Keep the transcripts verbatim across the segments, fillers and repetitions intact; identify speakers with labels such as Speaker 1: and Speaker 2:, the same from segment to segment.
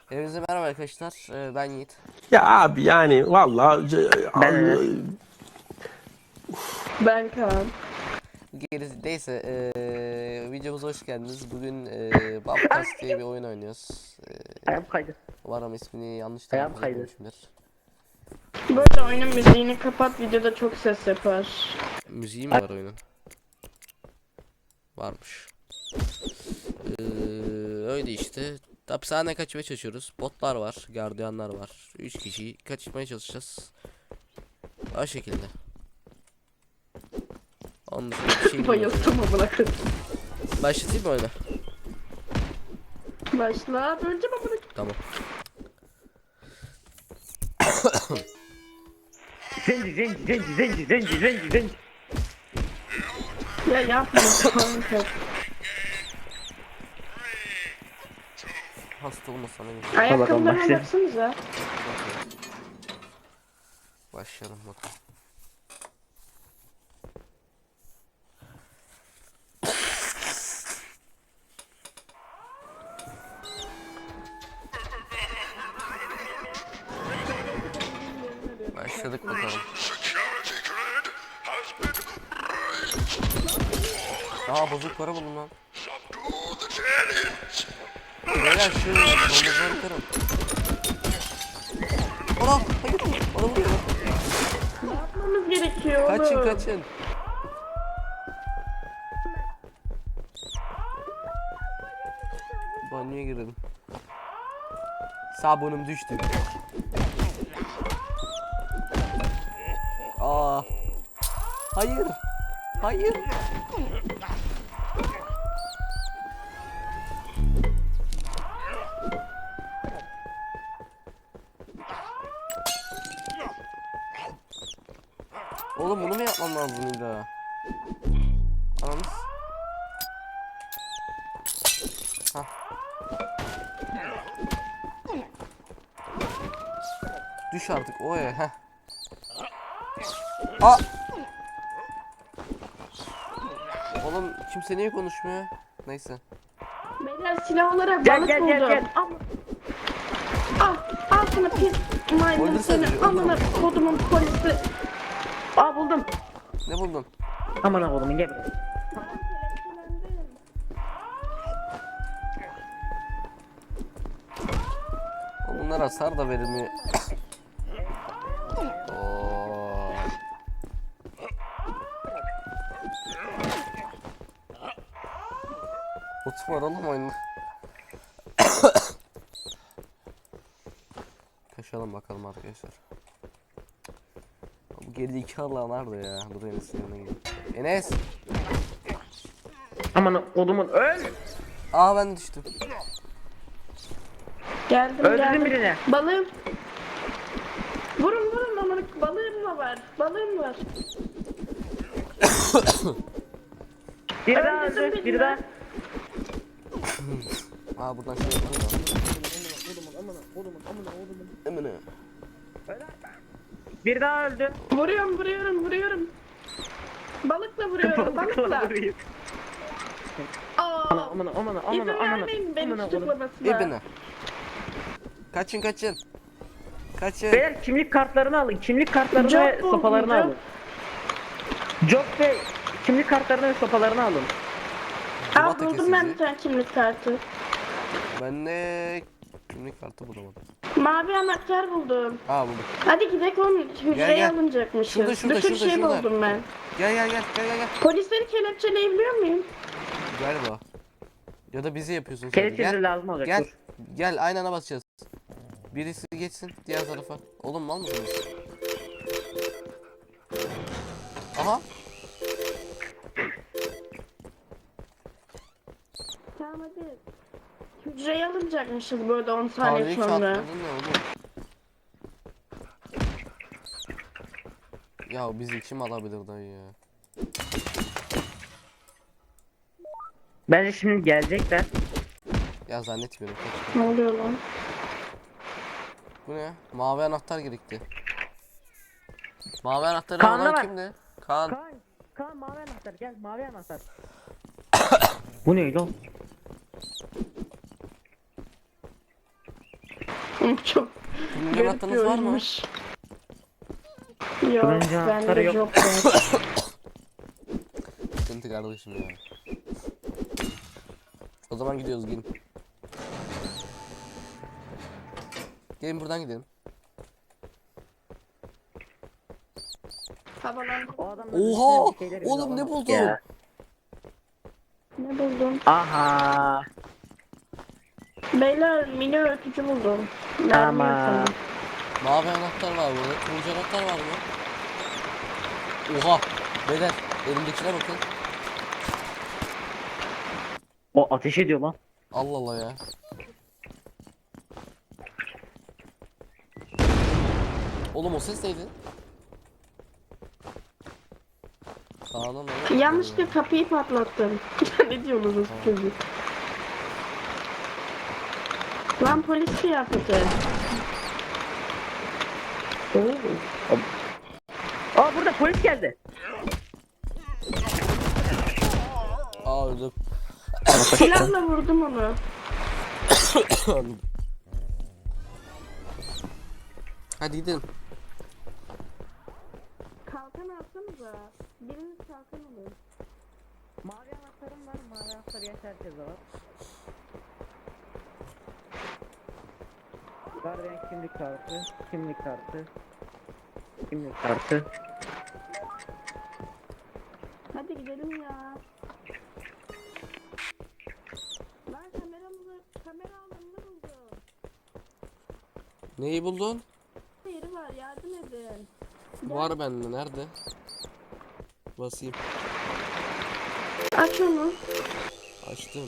Speaker 1: Hepinize merhaba arkadaşlar. Ee, ben Yiğit.
Speaker 2: Ya abi yani vallahi c-
Speaker 3: Ben Enes.
Speaker 4: Ben Kaan.
Speaker 1: Gerisi neyse ee, videomuza hoş geldiniz. Bugün ee, Bubcast diye bir oyun oynuyoruz. Ee,
Speaker 3: Ayağım kaydı.
Speaker 1: umarım ismini yanlış
Speaker 3: Ayağım
Speaker 1: telaffuz
Speaker 3: kaydı.
Speaker 1: etmemişimdir.
Speaker 4: Böyle oyunun müziğini kapat, videoda çok ses yapar.
Speaker 1: Müziği mi var oyunun? Varmış. Ee, öyle işte. Hapishane kaçmaya çalışıyoruz. Botlar var, gardiyanlar var. üç kişi kaçmaya çalışacağız. O şekilde. Onun dışında bir şey bilmiyorum.
Speaker 4: Bayıldım amına koyayım.
Speaker 1: Başlatayım mı oyunu?
Speaker 4: Başla. Önce amına
Speaker 1: Tamam.
Speaker 3: Zenci zenci zenci zenci zenci zenci zenci.
Speaker 4: Ya yapma kanka.
Speaker 1: Hasta olmasana iyi.
Speaker 3: bakalım,
Speaker 4: Ayakkabılarına
Speaker 3: başlayalım.
Speaker 4: baksanıza.
Speaker 1: Başlayalım bakalım. Başladık bakalım. Aa bozuk para buldum lan. Beyler şu domuzları kırın. Ana hayır bana vuruyor.
Speaker 4: Ne yapmamız gerekiyor oğlum?
Speaker 1: Kaçın kaçın. Banyoya girdim. Sabunum düştü. Aa. Hayır. Hayır. Oğlum bunu mu yapmam lazım illa? Anamız. Hah. Düş artık oya heh. Aa! Oğlum kimse niye konuşmuyor? Neyse.
Speaker 4: Beyler silah olarak
Speaker 3: Gel,
Speaker 4: balık
Speaker 3: gel,
Speaker 4: buldum.
Speaker 3: gel, gel.
Speaker 4: Al. Al. Al sana pis maymun
Speaker 1: Öldürsene
Speaker 4: seni.
Speaker 1: bizi, öldür
Speaker 4: Amına kodumun polisi.
Speaker 3: Aa buldum.
Speaker 1: Ne buldun?
Speaker 3: Aman oğlum gel buraya.
Speaker 1: Oğlum bunlar hasar da verilmiyor. Oo. Ot var oğlum oyunda. Kaçalım bakalım arkadaşlar. Bu geride iki Allah nerede ya? Dur Enes'in yanına gidelim. Enes!
Speaker 3: Aman oğlumun öl.
Speaker 1: Aa ben düştüm.
Speaker 4: Geldim
Speaker 3: Öldürdün
Speaker 4: geldim.
Speaker 3: birini.
Speaker 4: Balığım. Vurun vurun amına balığım da var. Balığım var.
Speaker 3: Biri daha
Speaker 4: Öldürdün
Speaker 3: öldü.
Speaker 4: birini.
Speaker 3: Biri daha.
Speaker 1: Aa buradan şey yapalım da. Emine.
Speaker 3: Biri daha öldü.
Speaker 4: Vuruyorum vuruyorum vuruyorum. Balıkla vuruyorum balıkla.
Speaker 3: vurayım.
Speaker 4: Aa,
Speaker 3: Aman aman aman aman
Speaker 4: İzin
Speaker 3: aman.
Speaker 4: vermeyin beni
Speaker 3: Aman oğlum.
Speaker 4: tutuklamasına.
Speaker 1: İbine. Kaçın kaçın. Kaçın.
Speaker 3: Beyler kimlik kartlarını alın. Kimlik kartlarını
Speaker 4: Job
Speaker 3: ve
Speaker 4: buldum,
Speaker 3: sopalarını
Speaker 4: job.
Speaker 3: alın. Job ve kimlik kartlarını ve sopalarını alın.
Speaker 4: Aa
Speaker 1: Civata
Speaker 4: buldum ben
Speaker 1: kesici.
Speaker 4: bir tane kimlik kartı.
Speaker 1: Ben de kimlik kartı bulamadım.
Speaker 4: Mavi anahtar buldum.
Speaker 1: Aa buldum.
Speaker 4: Hadi gidelim oğlum hücreye
Speaker 1: gel.
Speaker 4: alınacakmışız.
Speaker 1: Şurada, şurada,
Speaker 4: bir sürü
Speaker 1: şurada,
Speaker 4: şey
Speaker 1: şurada.
Speaker 4: buldum ben.
Speaker 1: Gel gel gel gel gel gel.
Speaker 4: Polisleri kelepçeleyebiliyor muyum?
Speaker 1: Galiba. Ya da bizi yapıyorsun sen.
Speaker 3: Kelepçesi
Speaker 1: Gel.
Speaker 3: lazım olacak.
Speaker 1: Gel.
Speaker 3: Dur.
Speaker 1: Gel aynı ana basacağız. Birisi geçsin diğer tarafa. Oğlum mal mısınız? Aha.
Speaker 4: Tamam hadi. Hücreye alınacakmışız böyle on saniye
Speaker 1: Tarihi
Speaker 4: sonra.
Speaker 1: çarpmadın ne oğlum? Ya bizi kim alabilir dayı ya?
Speaker 3: Bence şimdi gelecekler.
Speaker 1: Ya zannetmiyorum. Kaç.
Speaker 4: Ne oluyor lan?
Speaker 1: Bu ne? Mavi anahtar gerekti. Mavi anahtarı
Speaker 3: Kaan'da
Speaker 1: olan
Speaker 3: var.
Speaker 1: kimdi? Kaan.
Speaker 3: Kaan, Kaan mavi anahtar gel mavi anahtar. Bu ne lan?
Speaker 4: Çok
Speaker 1: Turuncu
Speaker 4: garip bir
Speaker 1: anahtarınız var mı?
Speaker 4: oyunmuş. Yok,
Speaker 3: Turuncu anahtarı
Speaker 4: bende
Speaker 3: yok.
Speaker 4: yok. yok.
Speaker 1: Sıkıntı kardeşim ya. O zaman gidiyoruz, gelin. Gelin buradan gidelim.
Speaker 4: Havalandı.
Speaker 3: O adam
Speaker 1: Oha!
Speaker 3: bir şeyler
Speaker 1: Oğlum ne
Speaker 3: imzalamaz
Speaker 1: buldun?
Speaker 3: ya.
Speaker 4: Ne buldum?
Speaker 3: Aha.
Speaker 4: Beyler mini öğütücü buldum. Mermi
Speaker 3: Tamam.
Speaker 4: yapalım.
Speaker 1: Mavi anahtar var burada. Turuncu anahtar var mı? Oha! Beyler elimdekine bakın.
Speaker 3: O ateş ediyor lan.
Speaker 1: Allah Allah ya. Oğlum o ses neydi? Kaan'ın ne?
Speaker 4: Yanlışlıkla kapıyı patlattım. Ne diyorsunuz çocuk? Lan polis kıyafeti.
Speaker 3: Aa burada polis geldi.
Speaker 1: Aa öldüm.
Speaker 4: Silahla vurdum onu.
Speaker 1: Hadi gidelim.
Speaker 4: Kalkan alsanıza. Biriniz kalkan alın.
Speaker 3: Mavi anahtarım var. Mavi anahtarı yaş herkese var. Gardiyan kimlik kartı. Kimlik kartı. Kimlik kartı.
Speaker 4: Hadi gidelim ya. Lan kameramızı, kamera alımını buldum.
Speaker 1: Neyi buldun?
Speaker 4: Yeri var, yardım edin.
Speaker 1: Var bende, nerede? Basayım.
Speaker 4: Aç onu.
Speaker 1: Açtım.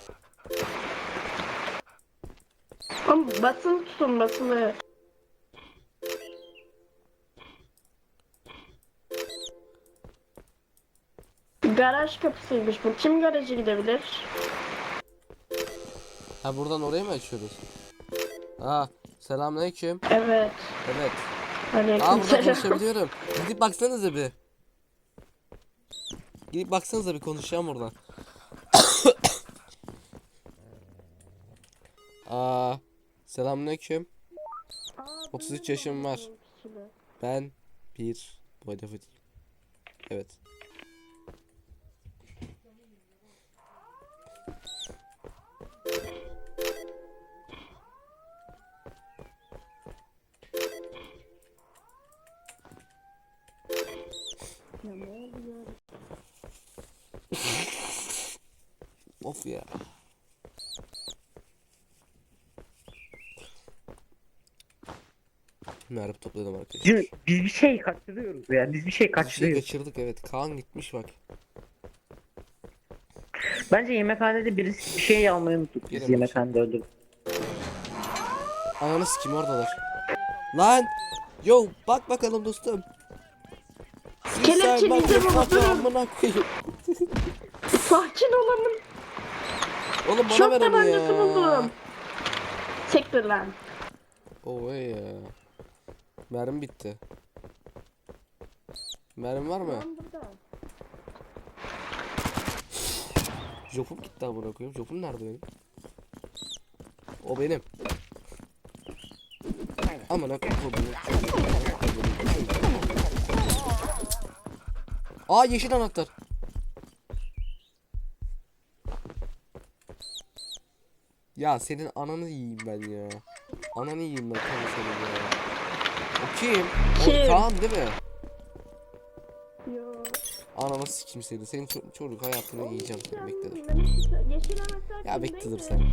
Speaker 4: Oğlum basılı tutun, basılı. Garaj kapısıymış bu. Kim garaja gidebilir?
Speaker 1: Ha buradan oraya mı açıyoruz? Ha selamünaleyküm.
Speaker 4: Evet.
Speaker 1: Evet. Aa burada
Speaker 4: Aleykümselam.
Speaker 1: konuşabiliyorum. Gidip baksanıza bir. Gidip baksanıza bir, konuşacağım oradan. Aa selamünaleyküm.
Speaker 4: Aa,
Speaker 1: otuz üç
Speaker 4: benim
Speaker 1: yaşım var.
Speaker 4: oğlum kişili.
Speaker 1: Ben bir boyda fıtıyım. Evet.
Speaker 4: Ya ne oluyor?
Speaker 1: Of ya. Merhaba topladım arkadaşlar.
Speaker 3: Biz, biz bir şey kaçırıyoruz ya. Biz bir şey
Speaker 1: Bir şey
Speaker 3: kaçırıyoruz.
Speaker 1: kaçırdık, evet. Kaan gitmiş bak.
Speaker 3: Bence yemekhanede birisi bir şey almayı unuttuk. Biz
Speaker 1: Gelin
Speaker 3: yemekhanede öldürdük.
Speaker 1: Ananı sikim oradalar. Lan! Yo bak bakalım dostum.
Speaker 4: Kelepçe
Speaker 1: bak
Speaker 4: bizi
Speaker 1: bak
Speaker 4: vurdu.
Speaker 1: amına koyayım.
Speaker 4: Sakin olalım.
Speaker 1: Oğlum bana
Speaker 4: Şok
Speaker 1: ver onu
Speaker 4: tabancası
Speaker 1: ya.
Speaker 4: buldum. Sektir lan.
Speaker 1: Oo ey ya. Mermi bitti. Mermi var mı?
Speaker 4: Lan burada.
Speaker 1: Jopum gitti amına koyayım. Jopum nerede benim? O benim. Amına koyayım. Aa yeşil anahtar. Ya senin ananı yiyeyim ben ya. Ananı yiyeyim ben tabii senin ya. O kim?
Speaker 4: Kim?
Speaker 1: O Kaan değil mi?
Speaker 4: Yo.
Speaker 1: Ananı sikim seni. Senin ço- çocuk hayatını yiyeceğim seni, bekle dur.
Speaker 4: Yeşil anahtar
Speaker 1: Ya bekle
Speaker 4: kimdeydi?
Speaker 1: dur sen.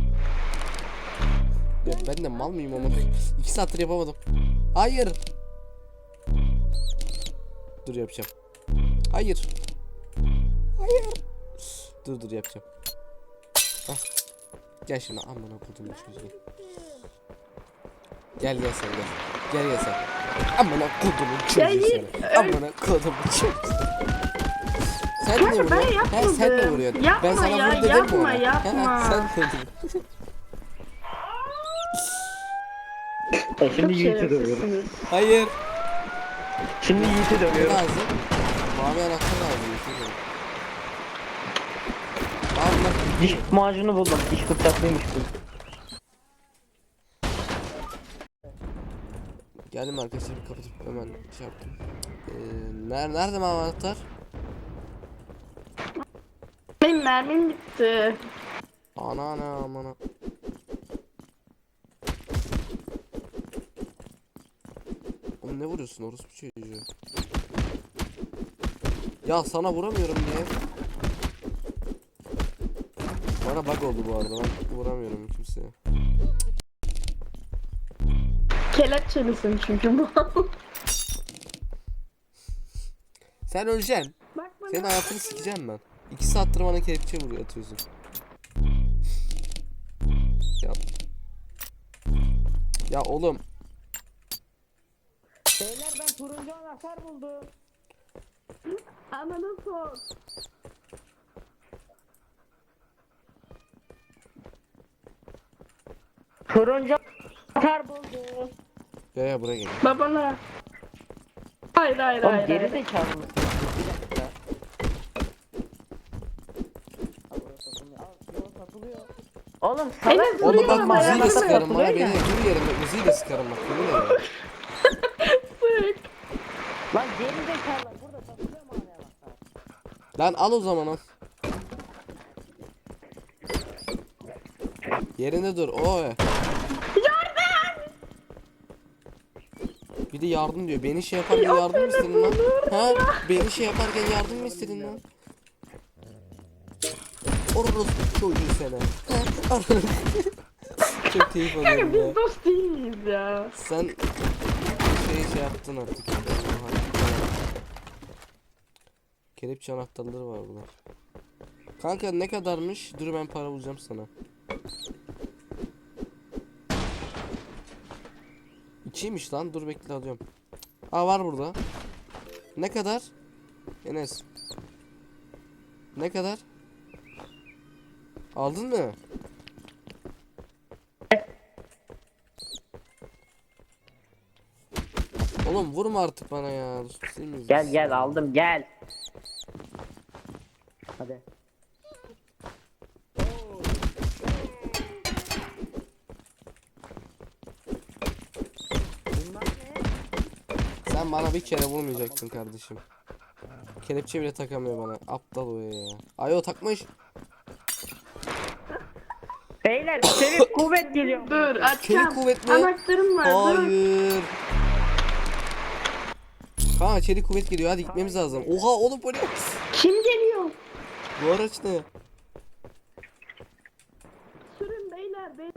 Speaker 1: Ya ben de mal mıyım ama iki saattir yapamadım. Hayır. Dur yapacağım. Hayır. Hayır. Dur dur yapacağım. Hah. Gel şimdi amına kodumun çocuğu. Gel gel sen gel. Gel gel sen. Amına kodumun çocuğu
Speaker 4: Hayır,
Speaker 1: seni.
Speaker 4: öyle-
Speaker 1: Amına kodumun çocuğu. Sen
Speaker 4: Kanka,
Speaker 1: niye
Speaker 4: ben
Speaker 1: vuruyorsun? Ha, sen de
Speaker 4: yapmadım.
Speaker 1: vuruyorsun.
Speaker 4: Yapma
Speaker 1: ben sana
Speaker 4: ya,
Speaker 1: vur dedim mi
Speaker 4: yapma,
Speaker 1: ona?
Speaker 4: yapma.
Speaker 1: Ha, sen vurdun.
Speaker 3: E şimdi
Speaker 4: Çok
Speaker 3: Yiğit'i dövüyoruz.
Speaker 4: şerefsizsiniz.
Speaker 1: Hayır.
Speaker 3: Şimdi Yiğit'i
Speaker 1: Ne
Speaker 3: dövüyoruz.
Speaker 1: lazım? Mavi anahtar lazım. yeşil yok. Allah.
Speaker 3: Diş macunu buldum. Diş fırçasıymış bu.
Speaker 1: Geldim arkadaşlar, bir kapatıp hemen şey yaptım. Ee, nerede nerede mi anahtar?
Speaker 4: Benim mermim bitti.
Speaker 1: Ana ana amana. Oğlum ne vuruyorsun orospu çocuğu? Ya sana vuramıyorum diye. Bana bug oldu bu arada, ben vuramıyorum kimseye.
Speaker 4: Kelepçelisin çünkü bu.
Speaker 1: Sen öleceksin.
Speaker 4: Bak bana.
Speaker 1: Senin hayatını sikeceğim ben. İki saattir bana kelepçe vuruyor, atıyorsun. Ya. Ya oğlum.
Speaker 3: Beyler ben turuncu anahtar buldum.
Speaker 4: Ananı sok.
Speaker 3: Turuncu anahtar buldum.
Speaker 1: Ya ya buraya gel.
Speaker 4: Babana. Hayır hayır
Speaker 3: Oğlum
Speaker 4: hayır.
Speaker 3: geri
Speaker 4: hayır.
Speaker 3: zekalı mısın? Bir dakika. Al, burası satılıyor. Al, yok, satılıyor. Oğlum salak.
Speaker 4: Enes
Speaker 1: Oğlum bak
Speaker 4: Vuruyorum,
Speaker 1: müziği de
Speaker 4: ayağımı
Speaker 1: sıkarım bana,
Speaker 3: satılıyor
Speaker 1: beni
Speaker 3: ya.
Speaker 1: dur yerimde müziği de sıkarım bak, yemin ederim.
Speaker 4: Sık.
Speaker 3: Lan geri zekalı burada satılıyor mu hala bak?
Speaker 1: Lan al o zaman al. Yerinde dur. Oy.
Speaker 4: Yardım.
Speaker 1: Bir de yardım diyor. Beni şey yaparken yardım mı istedin lan? Ha? Beni şey yaparken yardım mı istedin lan? Orospu çocuğu sene. Çok keyif
Speaker 4: Kanka
Speaker 1: alıyorum ya.
Speaker 4: biz dost değil miyiz ya?
Speaker 1: Sen şey şey yaptın artık. Kelepçe anahtarları var bunlar. Kanka ne kadarmış? Dur ben para bulacağım sana. İkiymiş lan. Dur bekle alıyorum. Aa var burada. Ne kadar? Enes. Ne kadar? Aldın mı? Oğlum vurma artık bana ya. Değil miyiz
Speaker 3: Gel
Speaker 1: biz?
Speaker 3: gel aldım gel. Hadi.
Speaker 1: Sen bana bir kere vurmayacaktın kardeşim. Kelepçe bile takamıyor bana. Aptal o ya. Ay o takmış.
Speaker 3: Beyler çevik kuvvet geliyor.
Speaker 4: Dur açacağım.
Speaker 1: Çelik kuvvet mi?
Speaker 4: Anahtarım var. Dur.
Speaker 1: Hayır. Kanka çelik kuvvet geliyor, hadi gitmemiz lazım. Oha oğlum polis.
Speaker 4: Kim geliyor?
Speaker 1: Bu araç ne?
Speaker 4: Sürün beyler. beyler.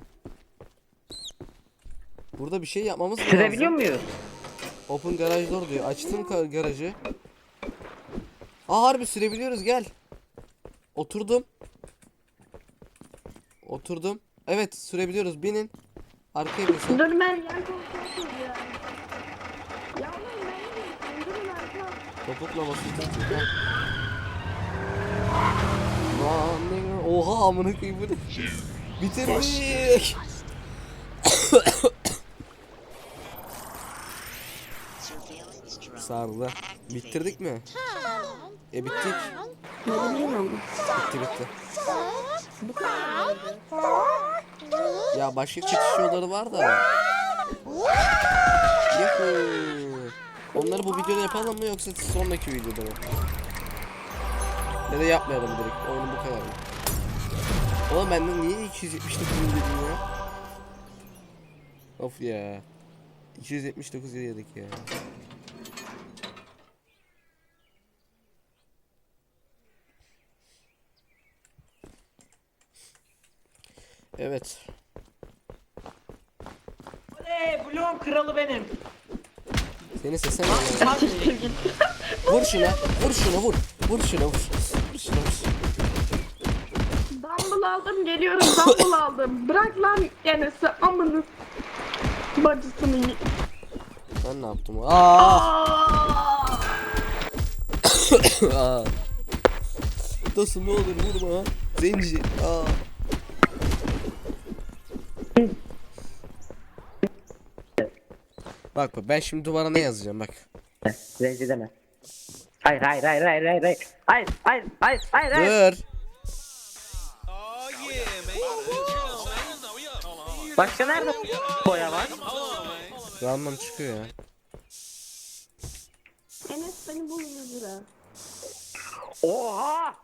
Speaker 1: Burada bir şey yapmamız lazım.
Speaker 3: Sürebiliyor muyuz?
Speaker 1: Open garaj door diyor. Açtım ka- garajı. Aa harbi sürebiliyoruz, gel. Oturdum. Oturdum. Evet sürebiliyoruz, binin. Arkaya bin sen.
Speaker 4: Dur ben yan koltuğa oturacağım. Ya oğlum ben de durun arka.
Speaker 1: Topukla basıyor. Lan ne- Oha amına koyayım bu ne? Bitirdik. Sardı. Bitirdik mi? E bittik. Bitti bitti. Ya başka çıkış yolları var da. Yuhuu. Onları bu videoda yapalım mı yoksa sonraki videoda mı? Ya da yapmayalım direkt. Oyun bu kadar mı? Oğlum benden niye iki yüz yetmiş dokuz dedim ya? Of ya. iki yüz yetmiş dokuz yedik ya. Evet.
Speaker 3: Oley bloğun kralı benim.
Speaker 1: Senin sesin ne? Vur şuna, vur şuna, vur. Vur şuna, vur. Vur şuna, vur.
Speaker 4: Dumble aldım geliyorum. Dumble aldım. Bırak lan Enes'i amını. Bacısını y-
Speaker 1: Ben ne yaptım? Aa!
Speaker 4: Aa!
Speaker 1: Aa. Dostum ne olur vurma. Zenci. Aa. Bak bak ben şimdi duvara ne yazacağım bak.
Speaker 3: Zenci deme. Hayır hayır hayır hayır hayır hayır. Hayır hayır hayır hayır hayır.
Speaker 1: Dur.
Speaker 3: Başka nerede boya var?
Speaker 1: Random çıkıyor ya.
Speaker 4: Enes beni bul yüz lira.
Speaker 3: Oha!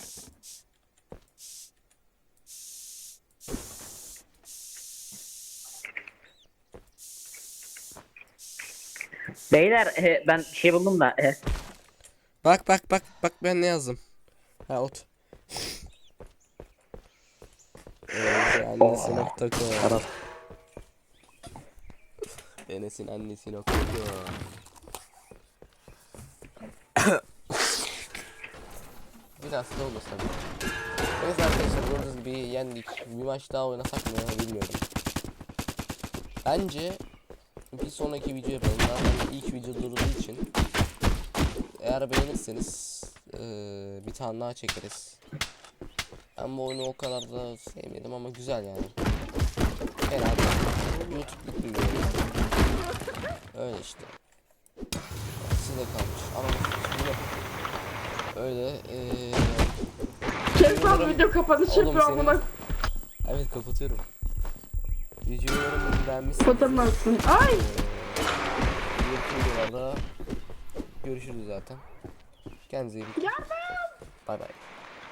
Speaker 3: Beyler e, ben bir şey buldum da. E,
Speaker 1: Bak bak bak bak ben ne yazdım. Ha ot. Evet, annesi nokta com.
Speaker 3: Tamam.
Speaker 1: Enes'in annesi nokta com. Biraz da olmasa tabii. Neyse arkadaşlar gördüğünüz gibi yendik. Bir maç daha oynasak mı bilmiyorum. Bence bir sonraki video yapalım. Zaten ilk video durduğu için. Eğer beğenirseniz eee, bir tane daha çekeriz. Ben bu oyunu o kadar da sevmedim ama güzel yani. Herhalde YouTube'luk bir video. Öyle işte. Size kalmış. Ama yine öyle eee
Speaker 4: Kes lan
Speaker 1: Umarım-
Speaker 4: video kapanışı
Speaker 1: Oğlum
Speaker 4: yapıyor
Speaker 1: senin-
Speaker 4: amına.
Speaker 1: evet kapatıyorum. Videoyu umarım beğenmişsiniz.
Speaker 4: Kapatamazsın. Ay.
Speaker 1: Diğer videolarda görüşürüz zaten. Kendinize iyi bakın.
Speaker 4: Yardım.
Speaker 1: Bay bay.